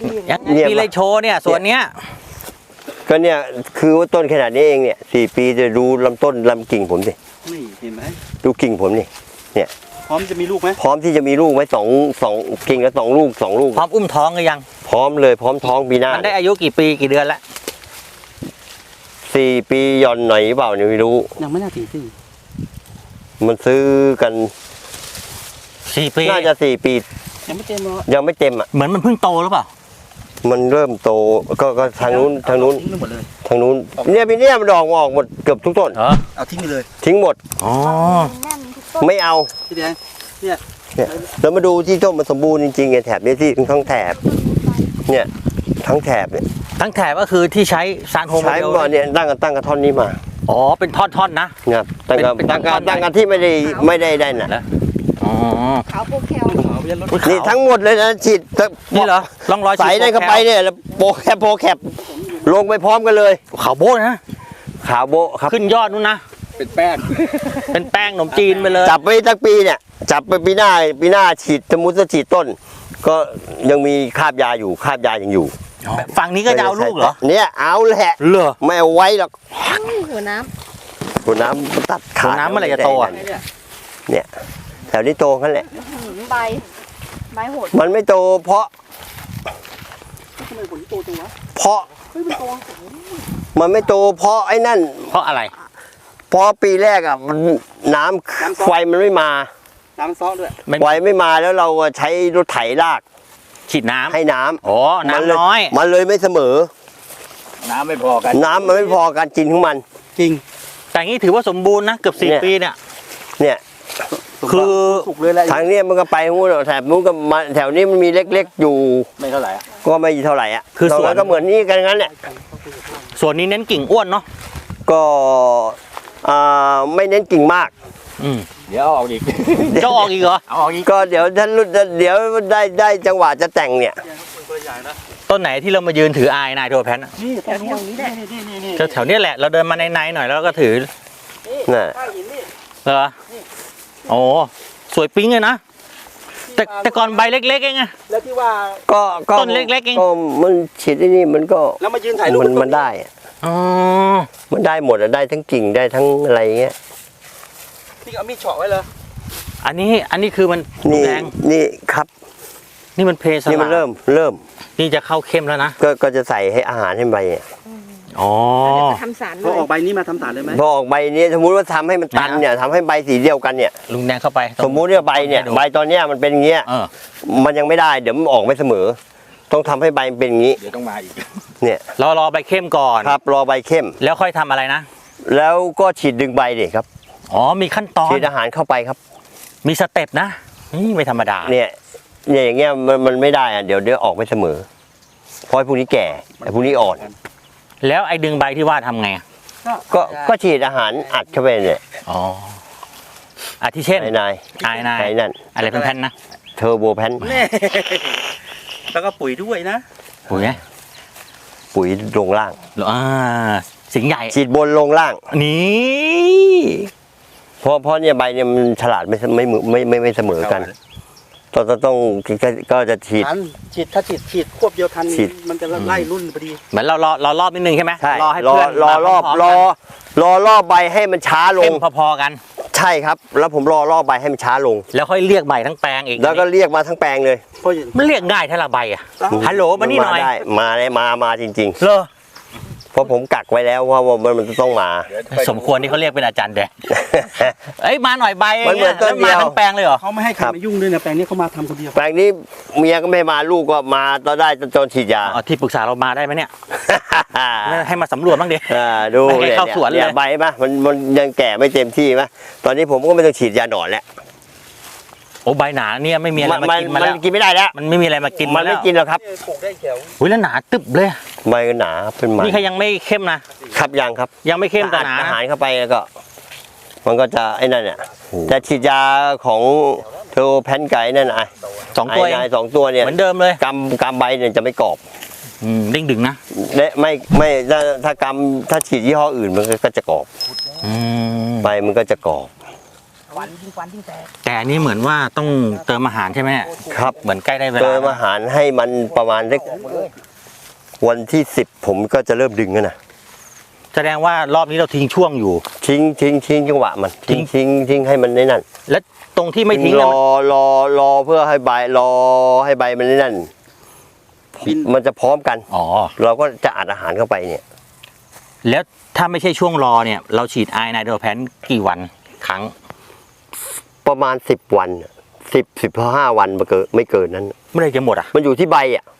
มีอะไรโชว์เนี่ยส่วนเนี้ยก็เนี่ยคือว่าต้นขนาดนี้เองเนี่ย4 ปีจะดูลำต้นลำกิ่งผมสินี่เห็นไหมดูกิ่งผมนี่เนี่ยพร้อมจะมีลูกไหมพร้อมที่จะมีลูกไหมสองกิ่งละ2 ลูก2 ลูกพร้อมอุ้มท้องหรือยังพร้อมเลยพร้อมท้องปีหน้ามันได้อายุกี่ปีกี่เดือนละ 4 ปีย่อนหน่อยเปล่าเนี่ยไม่รู้ยังไม่น่าถึงสิมันซื้อกัน 4 ปีน่าจะ4 ปียังไม่เต็มหรอยังไม่เต็มอ่ะเหมือนมันเพิ่งโตหรือเปล่ามันเริ่มโตก็ทางนู้นทางนู้นเนี่ยปีนี้มันดอกออกหมดเกือบทุกต้นเอาทิ้งไปเลยทิ้งหมดอ๋อไม่เอาพี่แดงเนี่ยแล้วมาดูที่ต้นมันสมบูรณ์จริงๆไงแถบนี้ที่ทั้งแถบเนี่ยทั้งแถบเนี่ยทั้งแถบก็คือที่ใช้ซานโฮมใช้ก่อนเนี่ยตั้งกันท่อนนี้มาอ๋อเป็นท่อนๆนะครับตั้งกันที่ไม่ได้น่ะอ๋อขาวโปรแคลนี่ทั้งหมดเลยนะฉีดนี่เหรอลองรอยใส่ได้เข้าไปเนี่ยโปรแคปลงไปพร้อมกันเลยขาวโบ้นะขาวโบครับขึ้นยอดนู้นนะเป็นแป้งขนมจีนไปเลยจับไปทั้งปีเนี่ยจับไปปีหน้าฉีดสมมุติจะฉีดต้นก็ยังมีคราบยาอยู่คราบยายังอยู่ฝั่งนี้ก็จะเอาลูกเหรอเนี่ยเอาแหละไม่เอาไว้หรอกหัวน้ำตัดขาดน้ำเมื่อไหร่จะโตอ่ะเนี่ยแถวนี้โตกันแหละใบโหดมันไม่โตเพราะมันไม่โตเพราะไอ้นั่นเพราะอะไรเพราะปีแรกอ่ะมันน้ำไฟมันไม่มาน้ำซ้อด้วยไฟไม่มาแล้วเราใช้รถไถลากฉีดน้ำให้น้ำโอ้น้ำน้อยมันเลยไม่เสมอน้ำไม่พอกันน้ำมันไม่พอการกินของมันจริงแต่งี้ถือว่าสมบูรณ์นะเกือบ4 ปีเนี่ยคือทางนี้มันก็ไปนู้นแถบนู้นก็มาแถวนี้มันมีเล็กๆอยู่ไม่เท่าไหร่ก็ไม่เท่าไหร่อ่ะคือส่วนก็เหมือนนี้กันงั้นเนี่ยส่วนนี้เน้นกิ่งอ้วนเนาะก็ไม่เน้นกิ่งมากเดี๋ยวออกอีกจะออกอีกเหรอเอาออกอีกก็เดี๋ยวท่านรุ่นเดี๋ยวได้จังหวะจะแต่งเนี่ยต้นไหนที่เรามายืนถืออายนายโทแพนนี่แถวนี้แหละแถวนี้แหละเราเดินมาในหน่อยแล้วก็ถือน่ะเหรอโอ้สวยปิ๊งเลยนะแต่ก่อนใบเล็กๆเองไงแล้วที่ว่าก็ต้นเล็กๆเองก็มันฉีดที่นี่มันก็แล้วมายืนถ่ายรูปมันได้อ๋อมันได้หมดได้ทั้งกิ่งได้ทั้งอะไรเงี้ยนี่เอามีดเฉาะไว้เลยอันนี้คือมันแดงนี่ครับนี่มันเพสนี่มันเริ่มนี่จะเข้าเข้มแล้วนะก็จะใส่ให้อาหารให้ใบอ๋อทำสารพอออกใบนี้มาทำสารเลยไหมพอออกใบนี้สมมุติว่าทำให้มันตันเนี่ยทำให้ใบสีเดียวกันเนี่ยลุงแดงเข้าไปสมมุติว่าใบเนี่ยใบตอนเนี้ยมันเป็นอย่างเงี้ยมันยังไม่ได้เดี๋ยวมันออกไม่เสมอต้องทำให้ใบเป็นอย่างนี้เดี๋ยวต้องมาอีกเนี่ยรอใบเข้มก่อนครับรอใบเข้มแล้วค่อยทำอะไรนะแล้วก็ฉีดดึงใบดิครับอ๋อมีขั้นตอนฉีดอาหารเข้าไปครับมีสเต็ปนะนี่ไม่ธรรมดาเนี่ยอย่างเงี้ยมันไม่ได้อะเดี๋ยวออกไม่เสมอเพราะพวกนี้แก่ไอ้พวกนี้อ่อนแล้วไอ้ดึงใบที่ว่าทำไงก็ฉีดอาหารอัดเข้าไปเนี่ยอ๋ออาทิเช่นนายนั่นอะไรเป็นแผ่นนะเทอร์โบแพนแล้วก็ปุ๋ยด้วยนะปุ๋ยลงล่างสิงใหญ่ฉีดบนลงล่างนี่เพราะเนี่ยใบเนี่ยมันฉลาดไม่เสมอกันต้องก็จะฉีดถ้าฉีดควบเดียวทันมันจะไล่รุ่นพอดีเหมือนเรารอบนิดนึงใช่ไหมรอให้เพื่อนรอรอบใบให้มันช้าลงพอๆกันใช่ครับแล้วผมรอใบให้มันช้าลงแล้วค่อยเรียกใบทั้งแปลงอีกแล้วก็เรียกมาทั้งแปลงเลยมันเรียกง่ายถ้าละใบอ่ะฮัลโหลมานี่หน่อยมาจริงๆเหรอเพราะผมกักไว้แล้วว่ามันต้องมาสมควรที่เขาเรียกเป็นอาจารย์แดงมาหน่อยใบมันเหมือนต้นเดียวทั้งแปลงเลยเหรอเขาไม่ให้ใครมายุ่งด้วยนะแปลงนี้เขามาทำคนเดียวแปลงนี้เมียก็ไม่มาลูกก็มาตอนได้จนฉีดยาที่ปรึกษาเรามาได้ไหมเนี่ยให้มาสำรวจบ้างดิดูเข้าสวนเลยใบป่ะมันยังแก่ไม่เต็มที่ป่ะตอนนี้ผมก็ไม่ต้องฉีดยาหนอนแล้วโอ้ใบหนาเนี่ยไม่มีอะไรมากินมาแล้วกินไม่ได้แล้วมันไม่มีอะไรมากินมันไม่กินหรอกครับอุ้ยแล้วหนาตึบเลยใบก็หนาเป็นมันนี่เขายังไม่เข้มนะครับยังไม่เข้มแต่หนาอาหารเข้าไปแล้วก็มันก็จะไอ้นั่นเนี่ยจะฉีดยาของเทอแพนไก่นั่นไอ้ 2 ตัวเนี่ยเหมือนเดิมเลยกำใบเนี่ยจะไม่กรอบเด้งดึงนะไม่ถ้าฉีดยี่ห้ออื่นมันก็จะกรอบใบมันก็จะกรอบฟันยิ่งแตกแต่อันนี้เหมือนว่าต้องเติมอาหารใช่ไหมครับเหมือนใกล้ได้เวลาเติมอาหารให้มันประมาณสักวันที่10ผมก็จะเริ่มดึงกันนะแสดงว่ารอบนี้เราทิ้งช่วงอยู่ทิ้งจังหวะมันทิ้งให้มันในนั่นและตรงที่ไม่ทิ้งรเนี่ยอเพื่อให้ใบมันในนั่นมันจะพร้อมกันอ๋อเราก็จะอัดอาหารเข้าไปเนี่ยแล้วถ้าไม่ใช่ช่วงรอเนี่ย เราฉีดไอไนโตรแพนกี่วันครั้งประมาณ10 วัน15 วันไม่เกินนั้นไม่ได้จะหมดอ่ะมันอยู่ที่ใบอ่ะ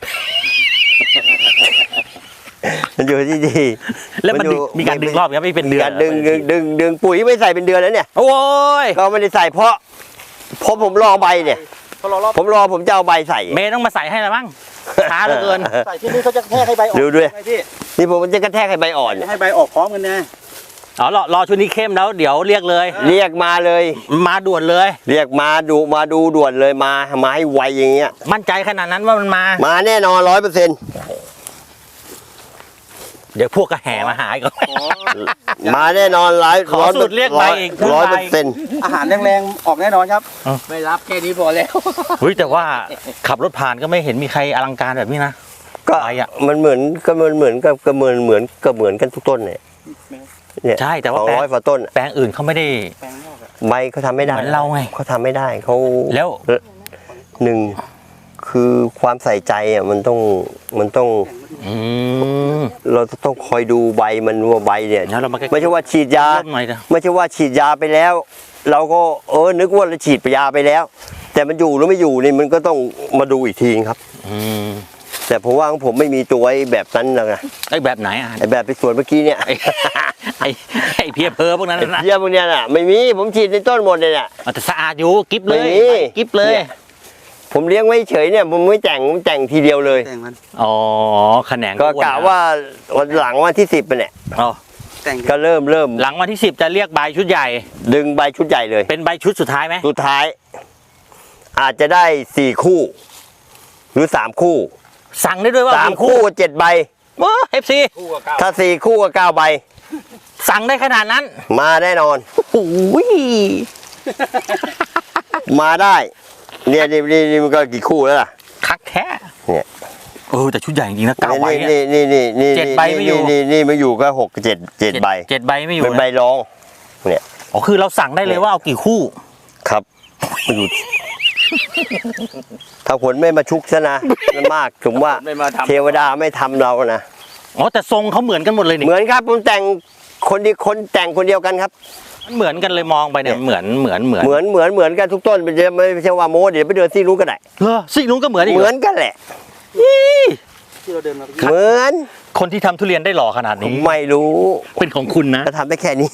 มันอยู่ที่ดีแล้วมันมีการดึงรอบนี้ไม่เป็นเดือนการดึงปุ๋ยไม่ใส่เป็นเดือนแล้วเนี่ยโอ้ยก็ไม่ได้ใส่เพราะผมรอใบเนี่ยพอรอรอบผมจะเอาใบใส่เมย์ต้องมาใส่ให้แล้วมั้งช้าเหลือเกินใส่ที่นี่เขาจะแทกให้ใบออกดูด้วยไงพี่นี่ผมจะกระแทกให้ใบอ่อนให้ใบออกพร้อมกันนะอ๋อรอชุดนี้เข้มแล้วเดี๋ยวเรียกเลยเรียกมาเลยมาด่วนเลยเรียกมาดูด่วนเลยมาให้ไวอย่างเงี้ยมั่นใจขนาดนั้นว่ามันมามาแน่นอน100% เดี๋ยวพวกก็แห่มาหาอีกมาแน่นอนขอสูตรเรียกใบอีก 100% อาหารแรงๆออกแน่นอนครับไม่รับแค่นี้พอแล้วเฮ้ยแต่ว่าขับรถผ่านก็ไม่เห็นมีใครอลังการแบบนี้นะก็ใบอ่ะมันเหมือนกันทุกต้นเนี่ยใช่แต่ว่า 200กว่าต้นแปลงอื่นเขาไม่ได้แปลงนอกอะใบเขาทำไม่ได้เหมือนเราไงเขาทำไม่ได้เขาแล้วหนึ่งคือความใส่ใจอ่ะมันต้องอืมเราต้องคอยดูใบมันว่าใบเนี่ยแล้วเรามาใกล้ๆไม่ใช่ว่าฉีดยาเริ่มหน่อยเถอะไม่ใช่ว่าฉีดยาไปแล้ว เราก็นึกว่าเราฉีดยาไปแล้ว แต่มันอยู่หรือไม่อยู่นี่มันก็ต้องมาดูอีกทีครับอืมแต่ผมว่าของผมไม่มีตัวไอ้แบบนั้นนะไอ้แบบไหนอ่ะไอ้แบบไปสวนเมื่อกี้เนี่ยไอ้เพียเพอพวกนั้นนะเยี่ยมพวกเนี้ยน่ะไม่มีผมฉีดในต้นหมดเลยเนี่ยแต่สะอาดอยู่กิ๊บเลยไม่มีกิ๊บเลยเนี่ย ผมเลี้ยงไว้เฉยเนี่ยผมไม่แต่งทีเดียวเลยแต่งมันอ๋อแขนงก็อ้นกะว่าวันหลังวันที่10เนี่ยอ๋อแต่งก็เริ่มหลังวันที่10จะเรียกใบชุดใหญ่ดึงใบชุดใหญ่เลยเป็นใบชุดสุดท้ายไหมสุดท้าย อาจจะได้4 คู่ หรือ3 คู่สั่งได้ด้วยว่า 3 คู่กับ7 ใบโอ้เอฟซีคู่กับเก้าถ้า4 คู่กับ9 ใบสั่งได้ขนาดนั้นมาแน่นอนโอ้ยมาได้เนี่ยนี่มันก็กี่คู่แล้วล่ะคักแท้เนี่ยแต่ชุดใหญ่จริงๆนะ9ใบเนี่ยนี่ 7 ใบไม่อยู่นี่ไม่อยู่ก็6 7ใบ 7 ใบไม่อยู่เป็นใบรองอ๋อคือเราสั่งได้เลยว่าเอากี่คู่ครับมันอยู่ถ้าผลไม่มาชุกซะนะมันมากผมว่าไม่มาทำเทวดาไม่ทำเรานะอ๋อแต่ทรงเขาเหมือนกันหมดเลยนี่เหมือนครับผมแต่งคนแต่งคนเดียวกันครับมันเหมือนกันเลยมองไปเนี่ยเหมือนเหมือนกันทุกต้นไม่ใช่ว่าโม้เดี๋ยวไปเดินที่รู้ก็ได้เหรอซิกนุ้งก็เหมือนอีกเหมือนกันแหละที่เราเดินมาเหมือนคนที่ทำทุเรียนได้หล่อขนาดนี้ไม่รู้เป็นของคุณนะก็ทำได้แค่นี้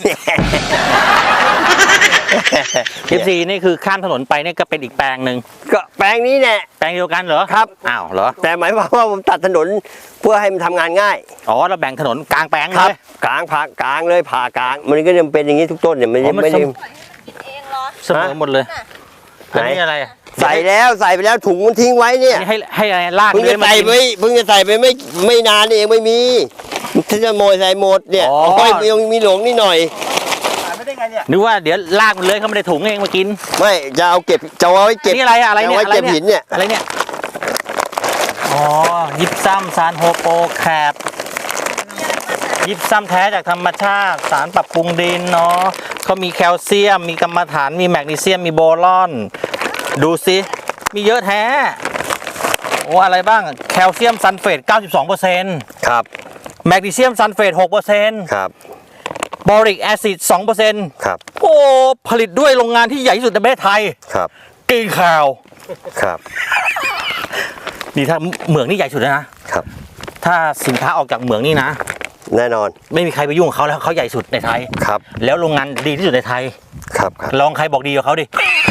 เอฟซีนี่คือข้ามถนนไปนี่ก็เป็นอีกแปลงหนึ่งก็แปลงนี้แน่แปลงเดียวกันเหรอครับอ้าวเหรอแต่หมายความว่าผมตัดถนนเพื่อให้มันทำงานง่ายอ๋อเราแบ่งถนนกลางแปลงคเลรับยกลางเลยผ่ากลาง มันก็จะเป็นอย่างนี้ทุกต้นเนี่ยไม่อ๋อมันได้สมเองเหรอเสมอหมดเลยไหนอันนี้อะไรอะใส่ไปแล้วถุงมันทิ้งไว้เนี่ยอันนี้ให้อะไรลากเพิ่งเลจะยมาใส่กินไปไม่นานเองไม่มีถ้าจะโมยใส่หมดเนี่ยอ๋อโอ้ยยังมีหลงนิดหน่อยขายไม่ได้ไงเนี่ยนึกว่าเดี๋ยวลากมันเลยเขาไม่ได้ถุงเองมากินไม่จะเอาไว้เก็บนี่อะไรอะอะไรเนี่ยจะเอาไว้เก็บหินเนี่ยอะไรเนี่ยอ๋อยิบซ้ำซานโฮโปแคปยิบซ้ำแท้จากธรรมชาติสารปรับปรุงดินเนาะเขามีแคลเซียมมีกรรมฐานมีแมกนีเซียมมีโบรอน ดูสิมีเยอะแท้โอ้อะไรบ้างแคลเซียมซัลเฟต 92% ครับแมกนีเซียมซัลเฟต 6% ครับบอริกแอซิด 2% ครับโอ้ผลิตด้วยโรงงานที่ใหญ่ที่สุดในประเทศไทยครับกินข่าวครับนี่ถ้าเหมืองนี่ใหญ่สุดแล้วนะครับ ถ้าสินค้าออกจากเหมืองนี่นะแน่นอนไม่มีใครไปยุ่งกับเขาแล้วเขาใหญ่สุดในไทยครับแล้วโรงงานดีที่สุดในไทยครับลองใครบอกดีกับเขาดิ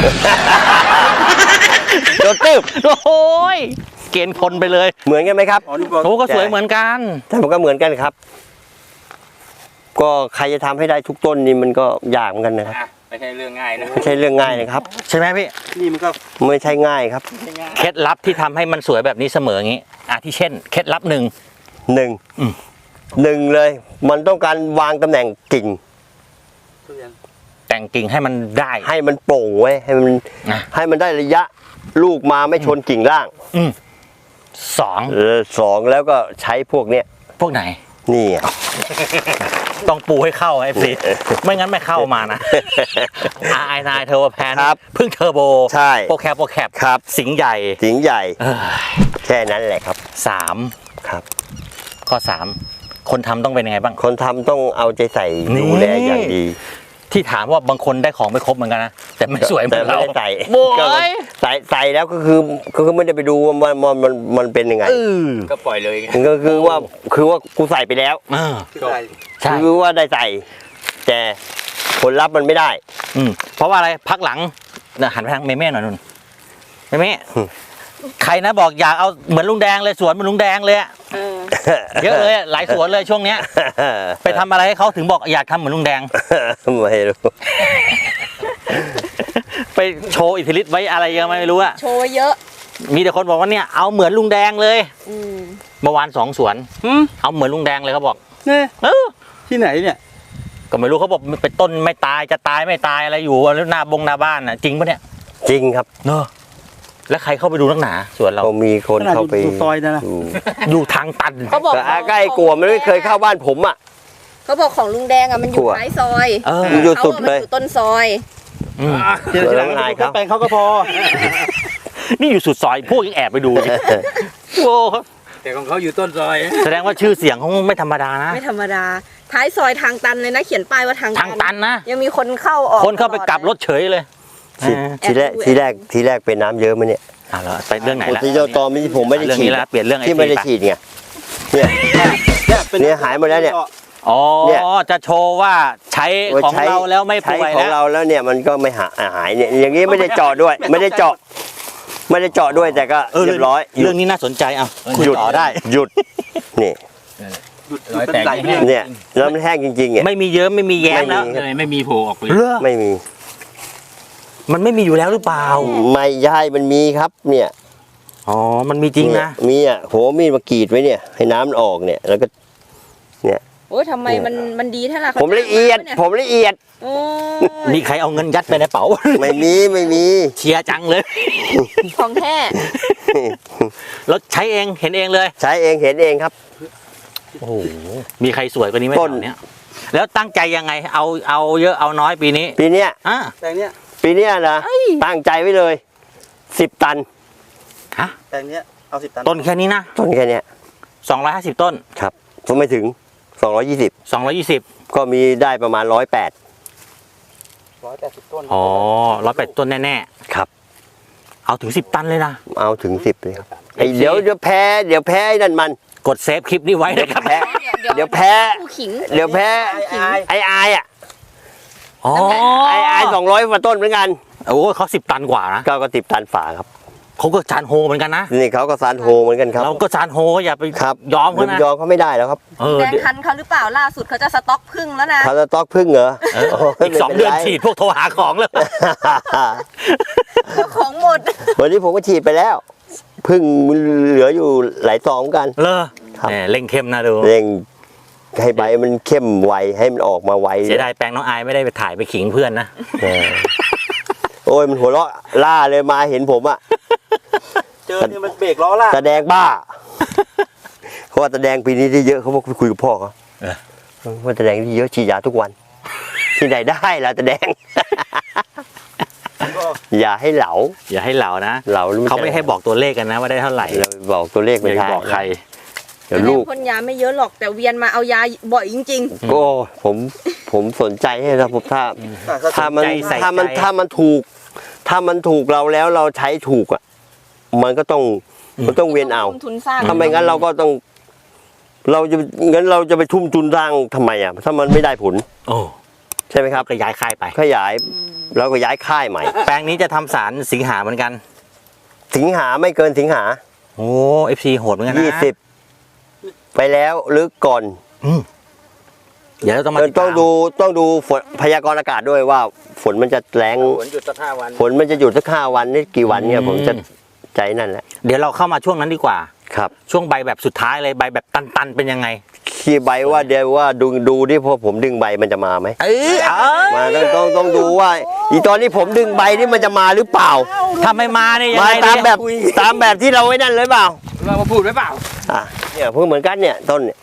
โดนตึบโอ้ยเกณฑ์คนไปเลยเหมือนกันไหมครับอ๋อนี่บอกโอ้ก็สวยเหมือนกันแต่มันก็เหมือนกันครับ ก็ใครจะทำให้ได้ทุกต้นนี่มันก็ยากเหมือนกันนะครับไม่ใช่เรื่องง่ายนะไม่ใช่เรื่องง่ายนะครับใช่ไหมพี่นี่มันก็ไม่ใช่ง่ายครับเคล็ดลับที่ทำให้มันสวยแบบนี้เสมออย่างนี้ที่เช่นเคล็ดลับหนึ่งหนึ่งอืมหนึ่งเลย มันต้องการวางตำแหน่งกิ่งทุเรียนแต่งแต่งกิ่งให้มันได้ให้มันโปร่งไว้ให้มันนะให้มันได้ระยะลูกมาไม่ชนกิ่งล่างสองสองแล้วก็ใช้พวกเนี้ยพวกไหนนี่ไงต้องปูให้เข้าไอ้สิไม่งั้นไม่เข้ามานะ RI9 เทอร์โบแพนครับเพิ่งเทอร์โบใช่โปรแคปครับสิงห์ใหญ่สิงห์ใหญ่เออแค่นั้นแหละครับสามครับข้อสามคนทำต้องเป็นยังไงบ้างคนทำต้องเอาใจใส่นี่ดูแลอย่างดีที่ถามว่าบางคนได้ของไม่ครบเหมือนกันนะแต่ไม่สวยเหมืแต่อนไม่เราได้ใส่โว้ก็ยใส่แล้วก็คือไม่ได้ไปดูว่ามันเป็นยังไงก็ปล่อยเลยไงก็คือว่ากูใส่ไปแล้วเออที่ใส่ใช่คือว่าได้ใส่ แต่ผลลัพธ์มันไม่ได้เพราะว่าอะไรพักหลังเนี่ยหันไปทางเมเม่หน่อยนุ่นเมเม่ใครนะบอกอยากเอาเหมือนลุงแดงเลยสวนเหมือนลุงแดงเลยอะเยอะเลยอะหลายสวนเลยช่วงเนี้ย ไปทำอะไรให้เขาถึงบอกอยากทำเหมือนลุงแดงไม่รู้ไปโชว์อิทธิฤทธิ์ไว้อะไรยังไม่รู้อะโชว์ไว้เยอะมีแต่คนบอกว่าเนี่ยเอาเหมือนลุงแดงเลยอืมเมื่อวาน2 สวนเอาเหมือนลุงแดงเลยเขาบอกเนี่ยเออที่ไหนเนี่ยก็ไม่รู้เขาบอกเป็นต้นไม่ตายจะตายไม่ตายอะไรอยู่แล้วหน้าบ้านน่ะจริงปะเนี่ยจริงครับเนอะแล้วใครเข้าไปดูนักหนาสวนเราก็มีคนเข้าไปขนาดอยู่ซอยนะดูอยู่ทางตันเขาบอกแต่อาใกล้กลัวมันไม่เคยเข้าบ้านผมอ่ะเขาบอกของลุงแดงอ่ะมันอยู่กลัวท้ายซอยเออมันอยู่เขาสุดอะมันเลยอยู่ต้นซอยอืมเดี๋ยวทีหลังอายดูครับแปลงเขาก็พอนี่อยู่สุดซอยพวกยังแอบไปดูเลยโอ้แต่ของเขาอยู่ต้นซอยแสดงว่าชื่อเสียงเขาไม่ธรรมดานะไม่ธรรมดา ท้ายซอยทางตันเลยนะ เขียนป้ายว่าทางทางตันนะยังมีคนเข้าออกคนเข้าไปกลับรถเฉยเลยทีแรกเป็นน้ำเยอะไหมเนี่ยอ่ะแล้วไปเรื่องไหนละที่เจ้าตอที่ผมไม่ได้เรื่องฉีนี้ดละเปลี่ยนเรื่องที่ไม่ได้ไอ้ฉีดไงเนี่ย เนี่ยหายหมดแล้วเนี่ยอ๋อเนี่ยจะโชว์ว่าใช้ของเราแล้วไม่ใช้ป่วยของแล้วเราแล้วเนี่ยมันก็ไม่หายเนี่ยอย่างนี้ไม่ได้เจาะด้วย ไม่ได้เจาะด้วยแต่ก็เรียบร้อยเรื่องนี้น่าสนใจอ่ะคุยหยุดต่อได้หยุดนี่หยุดรอยเป็นแตกไหลแห้งเนี่ยแล้วมันแห้งจริงๆเนี่ยไม่มีเยิ้มไม่มีแย้มแล้วไม่มีเลยไม่มีโผล่ออกเลยเรื่องไม่มีมันไม่มีอยู่แล้วหรือเปล่าไม่ใช่มันมีครับเนี่ยอ๋อมันมีจริงนะมีอ่ะโหมีดมากรีดไว้เนี่ย ให้น้ำมันออกเนี่ยแล้วก็โอ้ยทำไมมันดีเท่าไหร่ผมละเอียด ผมละเอียดโอ้ยมีใครเอาเงินยัดไปในเป๋าไม่มีเชียร์จังเลยของแท้แล้วใช้เองเห็นเองเลยใช้เองเห็นเองครับโอ้โหมีใครสวยกว่านี้ไหมต้นแถวเนี้ยแล้วตั้งใจยังไงเอาเยอะเอาน้อยปีนี้ปีเนี้ยอ่ะแปลงเนี้ยนะตั้งใจไว้เลย10 ตันฮะแปลงเนี้ยเอา10 ตันต้นแค่นี้นะต้นแค่เนี้ย 250 ต้นครับผมไม่ถึง220 220 ก็มีได้ประมาณ108 180 ต้นอ๋อ108ต้นแน่ครับๆเอาถึง10 ตันเลยนะเอาถึง10เลยครับไอ้เดี๋ยวแพ้ไอ้นั่นมันกดเซฟคลิปนี้ไว้นะครับแพ้ เดี๋ยวแพ้ผู้ขิงเดี๋ยวแพ้ ไอ้อายอ่ะอ๋อไอ้อาย200กว่าต้นเหมือนกันโอ้เขา10 ตันกว่านะก็10 ตันฝาครับเขาก็จานโฮเหมือนกันนะนี่เขาก็ซานโฮเหมือนกันครับเราก็จานโฮก็อย่าไปครับยอมเขานะยอมเขาไม่ได้แล้วครับเออแดงเดี๋ยวคันเขาหรือเปล่าล่าสุดเขาจะสต็อกพึ่งแล้วนะเขาจะต๊อกพึ่งเหรออีก2 เดือนฉีดพวกโทรหาของเลยของหมดวันนี้ผมก็ฉีดไปแล้ว พึ่งเหลืออยู่หลายซองเหมือนกันเลอครับแหมเร่งเข้มนะดูเร่งให้ใบมันเข้มไวให้มันออกมาไวเสียดายแปลงน้องอายไม่ได้ไปถ่ายไปขิงเพื่อนนะเออโอ้ยมันหัวเราะล่าเลยมาเห็นผมอะเจอเนี่ยมันเบรกล้อล่ากแสดงบ้าเขาว่าแสดงปีนี้ได้เยอะเขาบอกคุยกับพ่อเขาเออว่าแสดงได้เยอะฉีดยาทุกวัน ที่ไหนได้ล่ะแสดง อย่าให้เหลาอย่าให้เหล่านะเหลารู้เขาไม่ให้บอกตัวเลขกันนะว่าได้เท่าไหร่เราบอกตัวเลขอไม่ย่าได้บอกใครเดี๋ยวลูกพ่นยาไม่เยอะหรอกแต่เวียนมาเอายาบ่อยจริงโอ้ผมสนใจให้นะผมถ้ามันใจใส่ถ้ามันใจถ้ามันถูกเราแล้วเราใช้ถูกอ่ะมันก็ต้องมันต้องๆเวียนเอาลงทุนสร้างถ้าไม่งั้นเราก็ต้อง เราจะไปทุ่มทุนสร้างทำไมอ่ะถ้ามันไม่ได้ผลโอ้ใช่ไหมครับก็ย้ายค่ายไปขยายแล้วก็ย้ายค่ายใหม่แปลงนี้จะทำสารสิงหาเหมือนกันสิงหาไม่เกินสิงหาโอ้ FC โหดเหมือนกันนะ 20ไปแล้วหรือก่อนเดี๋ยวเราต้องมาติดต้ตาองมดูฝนพยากรณ์อากาศด้วยว่าฝนมันจะแรงฝนหยุดสัก5 วันฝนมันจะหยุดสัก5 วันนี่กี่วันเนี่ยผมจะใจนั่นแหละเดี๋ยวเราเข้ามาช่วงนั้นดีกว่าครับช่วงใบแบบสุดท้ายเลยใบแบบตันๆเป็นยังไงขี้ใบว่าเดี๋ยวว่าดูดิพอผมดึงใบมันจะมาไหม มาต้องดูว่าอีตอนนี้ผมดึงใบนี่มันจะมาหรือเปล่าถ้าไม่มาเนี่ยยังมาไงตามเนี่ยแบบที่เราไว้นั่นเลยเปล่าเรามาพูดไว้เปล่าอ่ะเนี่ยเพิ่งเหมือนกันเนี่ยต้นเนี่ย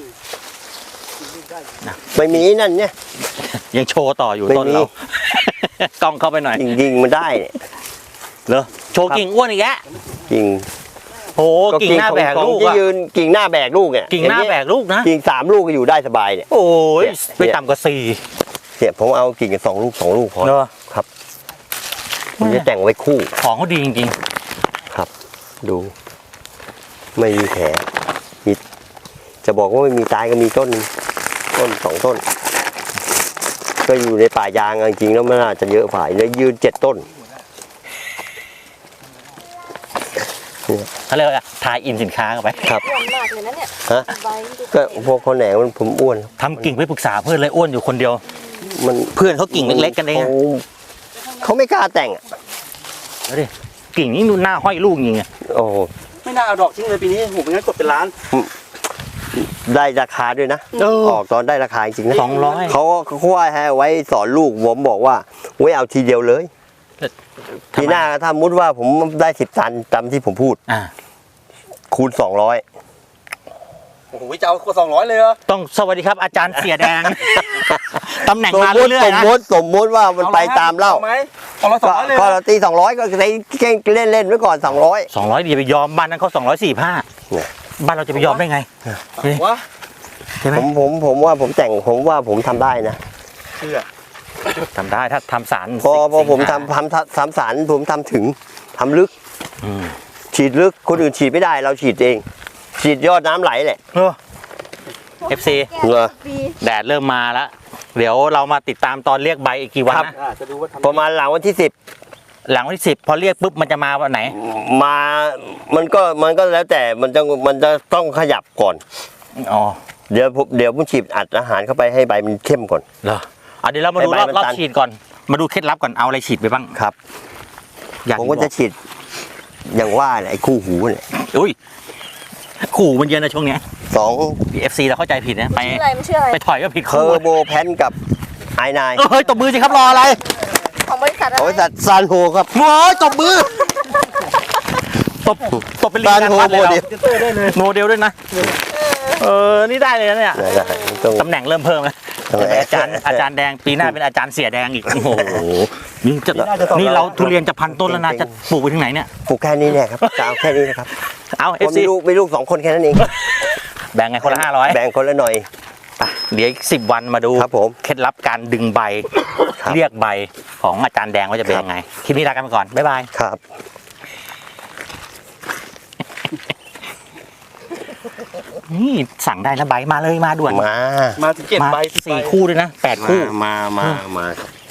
ไม่มีนั่นเนี่ยยังโชว์ต่ออยู่ไม่มีต้นเรา กล้องเข้าไปหน่อยจริงๆมันได้เนี่ยเหรอโชว์กิ่งอ้วนอีกแยะจริงโหกิ่งหน้าแบกลูกที่อะยืนกิ่งหน้าแบกลูกเนี่ยกิ่งหน้าแบกลูกนะกิ่ง3 ลูกก็อยู่ได้สบายเนี่ยโอ้ยเนี่ยไปต่ำกว่า4 เนี่ยผมเอากิ่งกัน2 ลูกพอเนอะครับผมจะแต่งไว้คู่ของเขาดีจริงครับ ดู ไม่มีแผลมีจะบอกว่าไม่มีตายก็มีต้นหนึ่งต้น2 ต้น ก็อยู่ในป่ายางจริงๆแล้วมันน่าจะเยอะฝ่ายแล้วยืน7 ต้นๆเขาเรียกว่าทายอินสินค้าเข้าไปครับอ้วนมากเลยนะเนี่ยฮะใบดูก็พวกคนแหนงมันผมอ้วนทำกิ่งไปปรึกษาเพื่อนเลยอ้วนอยู่คนเดียวมันเพื่อนเขากิ่งเล็กๆกันเองอะเขาไม่กล้าแต่งอะเอาดิกิ่งนี้ดูหน้าห้อยลูกจริงอะโอ้โหไม่น่าเอาดอกทิ้งเลยปีนี้โหไม่งั้นกดเป็นล้านได้ราคาด้วยนะ ออกตอนได้ราคาจริงๆนะ 200 เขาว่าให้ไว้สอนลูกผมบอกว่าไว้เอาทีเดียวเลยทีหน้าถ้ามุดว่าผมได้10 ตันตามที่ผมพูดอ่าคูณ 200 โอ้โหจะเอาคน200เลยเหรอต้องสวัสดีครับอาจารย์เสียแดง ตำแหน่งสมมามติเรื่อยๆนะสมมติว่ามันไปตามเล่าอไหมเอาละ200เลยก็เราตี200ก็ใช้เล่นไว้ก่อน200 200อย่าไปยอมบ้านนั้นเขา245 เนี่ยบ้านเราจะไปยอมได้ไงวะใช่ไหมผมว่าผมแต่งผมว่าผมทำได้นะเชื่อทำได้ถ้าทำสารพอผมสิงหาทำสารผมทำถึงทำลึกอืมฉีดลึกคนอื่นฉีดไม่ได้เราฉีดเอง ฉีดยอดน้ำไหลแหละ FC เหรอปีแดดเริ่มมาแล้ว เดี๋ยวเรามาติดตามตอนเรียกใบอีกกี่วันครับนะจะดูว่าทำประมาณหลังวันที่หลังวันที่10พอเรียกปุ๊บมันจะมาวันไหน 10มามันก็แล้วแต่มันจะต้องขยับก่อนอ๋อเดี๋ยวผมฉีดอัดอาหารเข้าไปให้ใบมันเข้มก่อนเหรอเดี๋ยวเรามาดูให้ใบรอบมันรอบตันฉีดก่อน มาดูเคล็ดลับก่อนเอาอะไรฉีดไปบ้างครับอยากผมก็จะฉีดอย่างว่าเนี่ยไอ้คู่หูเนี่ยอุ้ยขู่มันเยอะนะช่วงเนี้ย 2 FC เราเข้าใจผิดนะไปชื่ออะไรมันชื่ออะไรไปถอยก็ผิดเคอคู่ร์โบแพนกับไอนายเฮ้ยตบมือสิครับรออะไรของบริษัทอะบไรริษัทซานโฮครับโอ้ยตบมือตบเป็นลีซานงานโฮวัดโมเลยเดลโมเดลด้วยนะนี่ได้เลยนะเนี่ยได้ต้องตำแหน่งเริ่มเพิ่มแล้วทำไมเป็นอาจารย์แดงปีหน้าเป็นอาจารย์เสียแดงอีกโอ้โหนี่เราทุเรียนจะ1,000 ต้นแล้วนะจะปลูกไปถึงไหนเนี่ยปลูกแค่นี้เนี่ยครับจะเอาแค่นี้นะครับเอาผม FC มีลูก2 คนแค่นั้นเองแบ่งไงคนละ500 แบ่งคนละหน่อยเดี๋ยวอีก10 วันมาดูครับผมเคล็ดลับการดึงใบครับเรียกใบของอาจารย์แดงว่าจะเป็นยังไงคลิปนี้ลากันไปก่อนบ๊ายบายครับนี่สั่งได้นะใบมาเลยมาด่วนมาถึง7 มาใบ 4 คู่ด้วยนะ8 คู่มา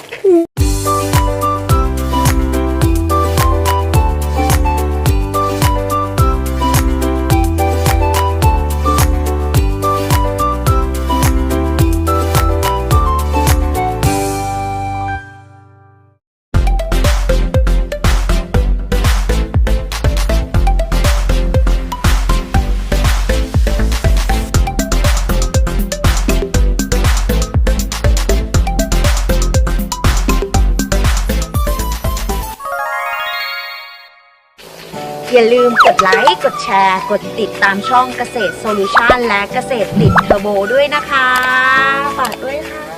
อย่าลืมกดไลค์ กดแชร์ กดติดตามช่องเกษตรโซลูชันและเกษตรติดเทอร์โบด้วยนะคะ ฝากด้วยค่ะ